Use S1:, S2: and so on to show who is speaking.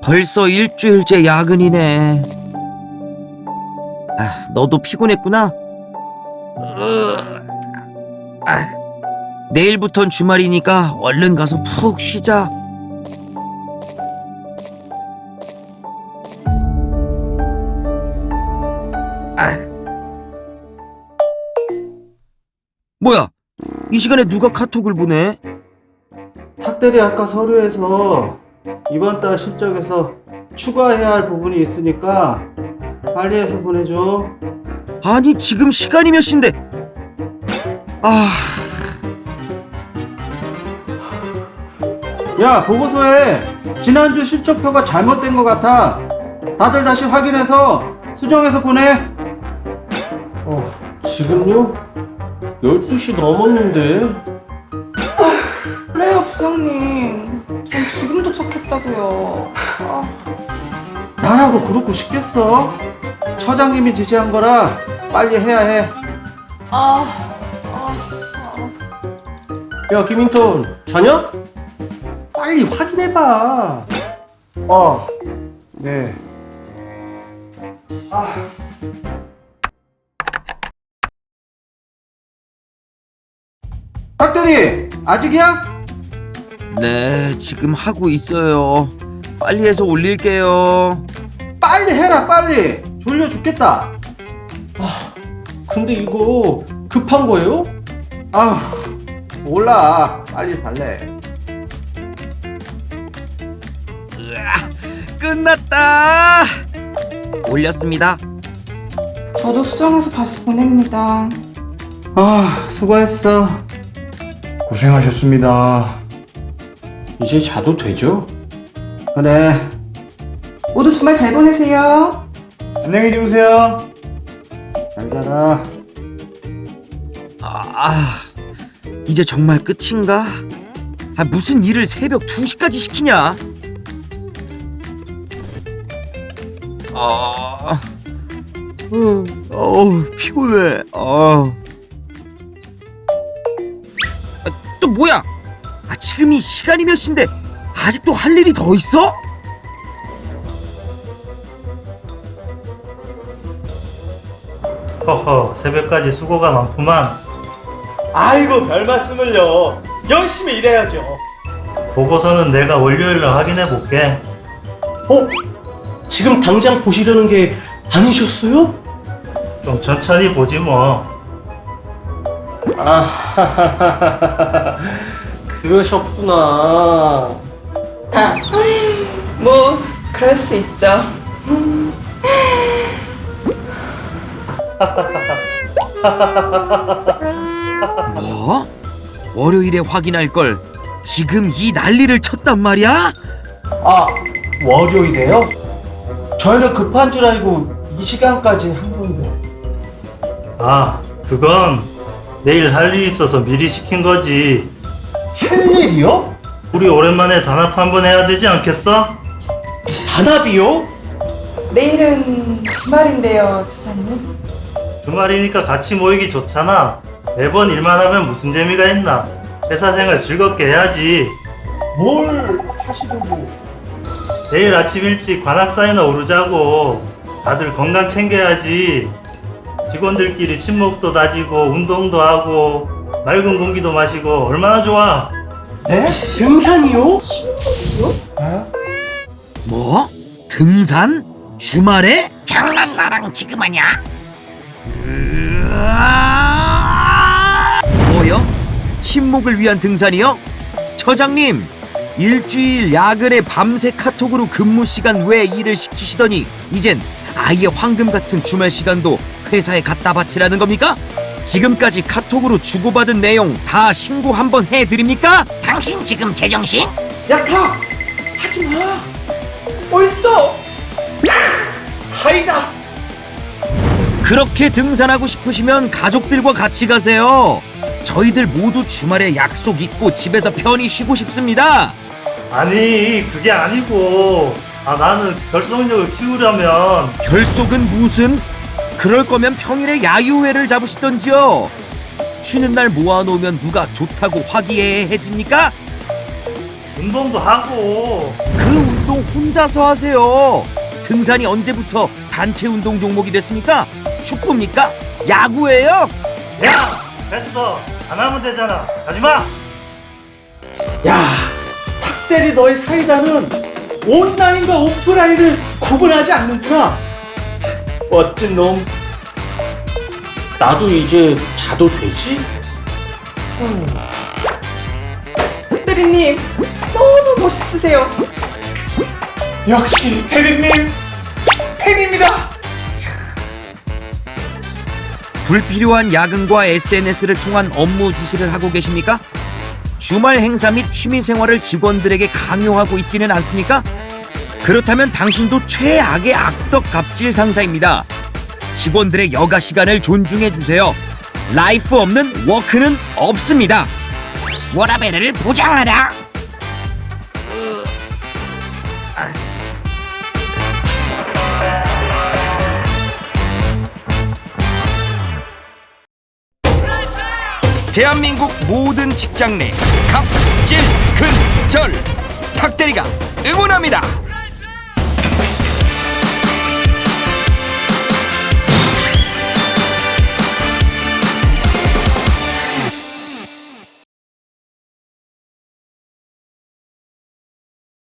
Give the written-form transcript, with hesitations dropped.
S1: 벌써 일주일째 야근이네. 너도 피곤했구나. 내일부턴 주말이니까 얼른 가서 푹 쉬자. 뭐야? 이 시간에 누가 카톡을 보내?
S2: 탁대리 아까 서류에서 이번 달 실적에서 추가해야 할 부분이 있으니까 빨리 해서 보내줘.
S1: 아니 지금 시간이 몇 시인데?
S2: 야, 보고서에 지난주 실적표가 잘못된 것 같아. 다들 다시 확인해서 수정해서 보내.
S3: 지금요? 12시 넘었는데.
S4: 그래요 부장님, 전 지금 도착했다고요.
S2: 나라고 그렇고 싶겠어? 처장님이 지시한 거라 빨리 해야 해.
S3: 야, 김인턴, 자냐? 빨리 확인해봐.
S2: 네. 탁대리, 아직이야?
S1: 네, 지금 하고 있어요. 빨리 해서 올릴게요.
S2: 빨리 해라, 빨리. 졸려 죽겠다.
S3: 근데 이거 급한 거예요?
S2: 몰라. 빨리 달래.
S1: 끝났다. 올렸습니다.
S4: 저도 수정해서 다시 보냅니다.
S2: 수고했어.
S5: 고생하셨습니다.
S3: 이제 자도 되죠?
S2: 그래.
S4: 모두 주말 잘 보내세요.
S5: 안녕히 주무세요.
S2: 잘 자라.
S1: 이제 정말 끝인가? 무슨 일을 새벽 2시까지 시키냐? 피곤해. 또 뭐야? 지금 이 시간이 몇 시인데 아직도 할 일이 더 있어?
S6: 허허, 새벽까지 수고가 많구만.
S7: 아이고, 별 말씀을요. 열심히 일해야죠.
S6: 보고서는 내가 월요일날 확인해 볼게.
S3: 지금 당장 보시려는 게 아니셨어요?
S6: 좀 천천히 보지 뭐.
S3: 그러셨구나.
S4: 뭐 그럴 수 있죠.
S1: 뭐? 월요일에 확인할 걸 지금 이 난리를 쳤단 말이야?
S7: 월요일에요? 저희는 급한 줄 알고 이 시간까지 한 건데.
S6: 그건 내일 할 일이 있어서 미리 시킨 거지.
S7: 할 일이요?
S6: 우리 오랜만에 단합 한번 해야 되지 않겠어?
S7: 단합이요?
S4: 내일은 주말인데요, 처장님.
S6: 주말이니까 같이 모이기 좋잖아. 매번 일만 하면 무슨 재미가 있나. 회사 생활 즐겁게 해야지.
S7: 뭘 하시려고?
S6: 내일 아침 일찍 관악산이나 오르자고. 다들 건강 챙겨야지. 직원들끼리 친목도 다지고 운동도 하고 맑은 공기도 마시고 얼마나 좋아.
S7: 네? 등산이요?
S1: 뭐? 등산? 주말에?
S8: 장난 나랑 지금 하냐?
S1: 뭐요? 친목을 위한 등산이요? 처장님, 일주일 야근에 밤새 카톡으로 근무 시간 외 일을 시키시더니 이젠 아예 황금 같은 주말 시간도 회사에 갖다 바치라는 겁니까? 지금까지 카톡으로 주고받은 내용 다 신고 한번 해드립니까?
S8: 당신 지금 제정신?
S7: 야, 가! 하지 마!
S4: 벌써
S7: 사이다!
S1: 그렇게 등산하고 싶으시면 가족들과 같이 가세요. 저희들 모두 주말에 약속 있고 집에서 편히 쉬고 싶습니다.
S6: 아니 그게 아니고 나는 결속력을 키우려면
S1: 결속은 무슨? 그럴 거면 평일에 야유회를 잡으시던지요. 쉬는 날 모아놓으면 누가 좋다고 화기애애해집니까?
S6: 운동도 하고.
S1: 그 운동 운동 혼자서 하세요. 등산이 언제부터 단체 운동 종목이 됐습니까? 축구입니까? 야구예요?
S6: 야, 됐어. 안 하면 되잖아. 하지마.
S7: 야, 탁대리 너의 사이다는 온라인과 오프라인을 구분하지 않는구나. 멋진 놈.
S3: 나도 이제 자도 되지?
S4: 탁대리님 너무 멋있으세요.
S5: 역시 대리님 팬입니다.
S1: 불필요한 야근과 SNS를 통한 업무 지시를 하고 계십니까? 주말 행사 및 취미 생활을 직원들에게 강요하고 있지는 않습니까? 그렇다면 당신도 최악의 악덕 갑질 상사입니다. 직원들의 여가 시간을 존중해 주세요. 라이프 없는 워크는 없습니다.
S8: 워라밸을 보장하라.
S1: 대한민국 모든 직장 내 갑질 근절 탁대리가 응원합니다.